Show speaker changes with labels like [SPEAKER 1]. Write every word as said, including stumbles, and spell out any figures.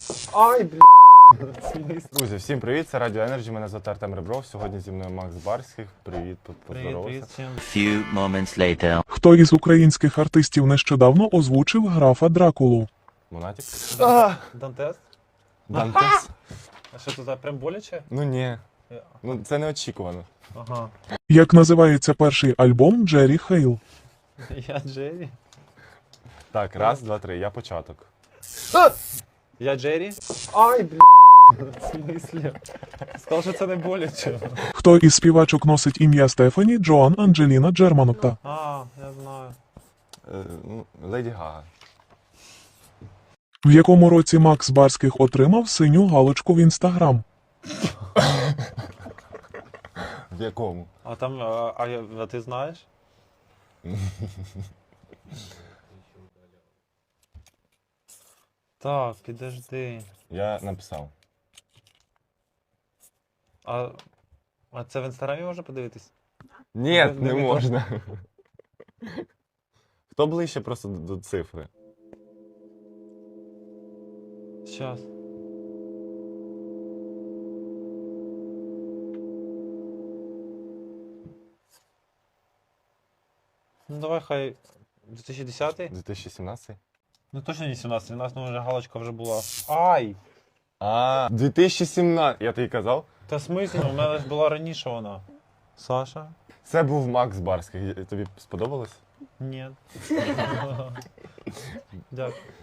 [SPEAKER 1] Ай, блін.
[SPEAKER 2] Друзі, всім привіт, це Радіо Енерджі, мене звати Артем Ребров, сьогодні зі мною Макс Барських. Привіт, поздоровався.
[SPEAKER 3] Few moments later.
[SPEAKER 4] Хто із українських артистів нещодавно озвучив графа Дракулу?
[SPEAKER 2] Монатік?
[SPEAKER 1] Дантес?
[SPEAKER 2] Дантес?
[SPEAKER 1] А що тут, прям боляче?
[SPEAKER 2] Ну ні, ну це неочікувано.
[SPEAKER 1] Ага.
[SPEAKER 4] Як називається перший альбом Джері Хейл?
[SPEAKER 1] Я Джері.
[SPEAKER 2] Так, раз, два, три, я початок.
[SPEAKER 1] Я Джері? Ай, блін. В смислі? Сказав, що це не боляче.
[SPEAKER 4] Хто із співачок носить ім'я Стефані Джоан Анджеліна Джерманотта?
[SPEAKER 1] А, я знаю.
[SPEAKER 2] Е, ну, Леді Гага.
[SPEAKER 4] В якому році Макс Барських отримав синю галочку в інстаграм?
[SPEAKER 2] В якому?
[SPEAKER 1] А там, а, а, я- а ти знаєш? Так, підожди.
[SPEAKER 2] Я написав.
[SPEAKER 1] А, а це в інстаграмі можна подивитись?
[SPEAKER 2] Ні,
[SPEAKER 1] Не-
[SPEAKER 2] не,
[SPEAKER 1] не
[SPEAKER 2] можна. Хто ближче просто до, до цифри?
[SPEAKER 1] Щас. Ну давай хай дві тисячі десятий?
[SPEAKER 2] дві тисячі сімнадцятий?
[SPEAKER 1] Ну точно не сімнадцятий, сімнадцятий, ну вже галочка вже була. Ай!
[SPEAKER 2] А, дві тисячі сімнадцятий, я тобі казав?
[SPEAKER 1] Та смисл, у мене ж була раніше вона. Саша?
[SPEAKER 2] Це був Макс Барських, тобі сподобалось?
[SPEAKER 1] Ні. Дякую.